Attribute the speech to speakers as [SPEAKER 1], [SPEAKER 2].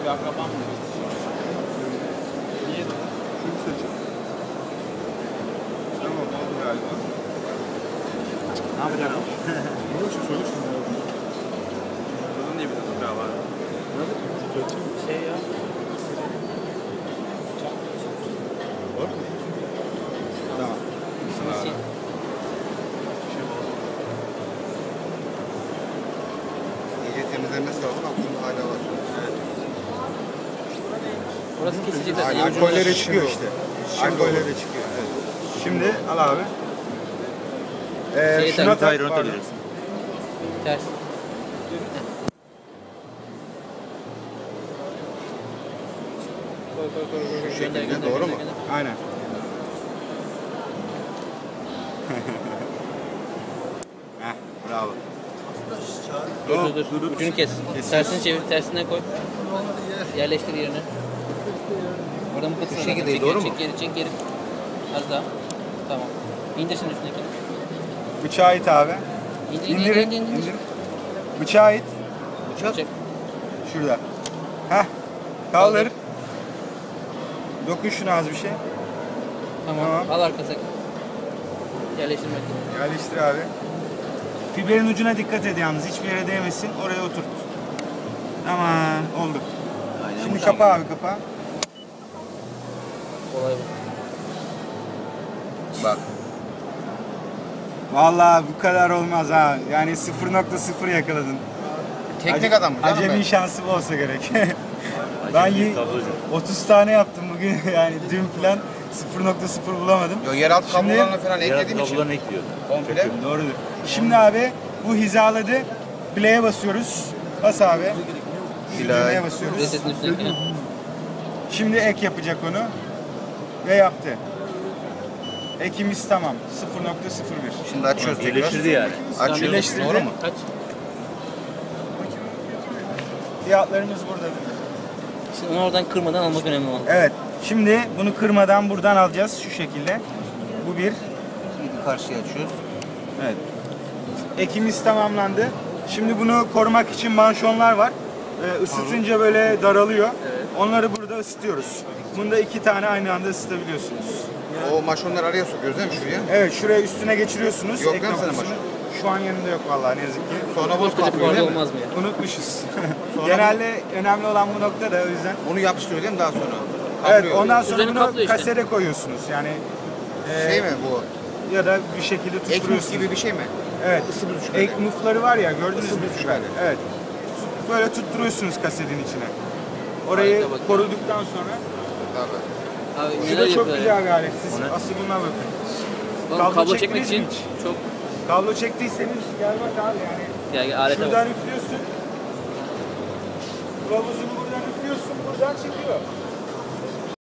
[SPEAKER 1] bir akraban mı? Niye?
[SPEAKER 2] Şunu seçin. Tamam oldu galiba.
[SPEAKER 1] Ne yapacağım?
[SPEAKER 2] Ne için söyle şimdi ya?
[SPEAKER 1] Bunun diye bir toprağı var. Şey ya.
[SPEAKER 2] Var mı?
[SPEAKER 1] Tamam. Nasıl?
[SPEAKER 3] İyice temizlenmesi lazım. Aklımda hala var.
[SPEAKER 1] Evet. Orası kesilecek zaten.
[SPEAKER 3] Alkollere çıkıyor işte. Alkollere çıkıyor. Evet.
[SPEAKER 2] Şimdi al abi.
[SPEAKER 1] Şeyi
[SPEAKER 2] Şuna tak.
[SPEAKER 1] Tyrone atabilirsin. Ters.
[SPEAKER 3] Şu şekilde doğru mu?
[SPEAKER 2] Aynen. Heh, bravo.
[SPEAKER 1] Dur. Ucunu kes. Tersini çevir, tersinden koy. Yerleştir yerine. Oradan bu kısmı.
[SPEAKER 3] Şu şekilde doğru mu?
[SPEAKER 1] Çek geri. Az daha. Tamam. İndir şimdi üstündekini.
[SPEAKER 2] Bıçağı it abi. İndirin. Bıçağı it.
[SPEAKER 3] Bıçak.
[SPEAKER 1] Çek.
[SPEAKER 2] Şurada. Heh. Kaldır. Dokun şuna az bir şey.
[SPEAKER 1] Tamam.
[SPEAKER 2] Tamam.
[SPEAKER 1] Al arkasına. Yerleştirmek.
[SPEAKER 2] Yerleştir abi. Fiberin ucuna dikkat et yalnız. Hiçbir yere değmesin. Oraya oturt. Tamam. Oldu.
[SPEAKER 1] Aynen.
[SPEAKER 2] Şimdi kapa abi kapa.
[SPEAKER 1] Olay bu.
[SPEAKER 3] Bak.
[SPEAKER 2] Vallahi bu kadar olmaz ha. Yani 0.0 yakaladın.
[SPEAKER 3] Teknik adam mı? Canım
[SPEAKER 2] Acemi
[SPEAKER 3] ben.
[SPEAKER 2] şansı bu olsa gerek. Ben 30 tane yaptım bugün. Yani dün falan 0.0 bulamadım.
[SPEAKER 3] Yo, yeraltı
[SPEAKER 2] Şimdi-
[SPEAKER 3] kablolarını falan eklediğim için.
[SPEAKER 4] Kablolarını ekliyor.
[SPEAKER 3] Komple.
[SPEAKER 2] Doğrudur. Şimdi abi bu hizaladı. Play'e basıyoruz. Bas abi. Düğmeye basıyoruz.
[SPEAKER 1] Resetin üstündekini.
[SPEAKER 2] Şimdi ek yapacak onu. Ve yaptı. Ekimiz tamam. 0.01.
[SPEAKER 3] Şimdi açıyoruz tekrar.
[SPEAKER 4] Birleştirdi yani.
[SPEAKER 3] Açıyoruz.
[SPEAKER 2] Birleştirdi.
[SPEAKER 3] Doğru mu?
[SPEAKER 1] Kaç?
[SPEAKER 2] Fiyatlarımız burada.
[SPEAKER 1] Şimdi onu oradan kırmadan almak önemli olan.
[SPEAKER 2] Evet. Şimdi bunu kırmadan buradan alacağız şu şekilde. Bu bir.
[SPEAKER 3] Şimdi karşıya açıyoruz.
[SPEAKER 2] Evet. Ekimiz tamamlandı. Şimdi bunu korumak için manşonlar var. Isıtınca böyle daralıyor.
[SPEAKER 1] Evet.
[SPEAKER 2] Onları burada ısıtıyoruz. Bunda 2 tane aynı anda ısıtabiliyorsunuz.
[SPEAKER 3] O maşonları araya sokuyoruz değil mi şuraya?
[SPEAKER 2] Evet, şuraya üstüne geçiriyorsunuz.
[SPEAKER 3] Yok
[SPEAKER 2] ek
[SPEAKER 3] değil mi senin
[SPEAKER 2] noktasını. Şu an yanında yok vallahi ne yazık ki.
[SPEAKER 3] Sonra boz
[SPEAKER 1] Koskoca
[SPEAKER 3] patlıyor
[SPEAKER 1] fuarda
[SPEAKER 3] değil mi?
[SPEAKER 1] olmaz mı ya?
[SPEAKER 2] Unutmuşuz.
[SPEAKER 3] Sonra
[SPEAKER 2] Genelde önemli olan bu nokta da o yüzden.
[SPEAKER 3] Onu yapıştırıyor değil mi daha sonra?
[SPEAKER 2] Evet,
[SPEAKER 3] Kaplıyor.
[SPEAKER 2] ondan sonra
[SPEAKER 1] Üzerini
[SPEAKER 2] bunu
[SPEAKER 1] kaplıyor işte.
[SPEAKER 2] kasere koyuyorsunuz. Yani
[SPEAKER 3] Şey mi bu?
[SPEAKER 2] ya da bir şekilde
[SPEAKER 3] Ekmek
[SPEAKER 2] tutturuyorsunuz.
[SPEAKER 3] gibi bir şey mi?
[SPEAKER 2] Evet.
[SPEAKER 3] Isı büzüşmeli.
[SPEAKER 2] Ek mufları var ya gördünüz
[SPEAKER 3] Isı
[SPEAKER 2] mü?
[SPEAKER 3] büzüşmeli.
[SPEAKER 2] Evet. Böyle tutturuyorsunuz kasetin içine. Orayı
[SPEAKER 1] Harika bak.
[SPEAKER 2] koruduktan sonra.
[SPEAKER 3] Tabii.
[SPEAKER 1] Abi
[SPEAKER 2] Şu
[SPEAKER 1] neler
[SPEAKER 2] da çok
[SPEAKER 1] yapıyorlar
[SPEAKER 2] güzel
[SPEAKER 1] ya.
[SPEAKER 2] bir alet. Siz asıl buna bakın.
[SPEAKER 1] Oğlum, kablo çekmek
[SPEAKER 2] çektiniz
[SPEAKER 1] için
[SPEAKER 2] mi hiç?
[SPEAKER 1] çok
[SPEAKER 2] Kablo çektiyseniz gel bak abi yani.
[SPEAKER 1] yani alete bak.
[SPEAKER 2] Şuradan üflüyorsun. Kılavuzunu buradan üflüyorsun, buradan çekiyor.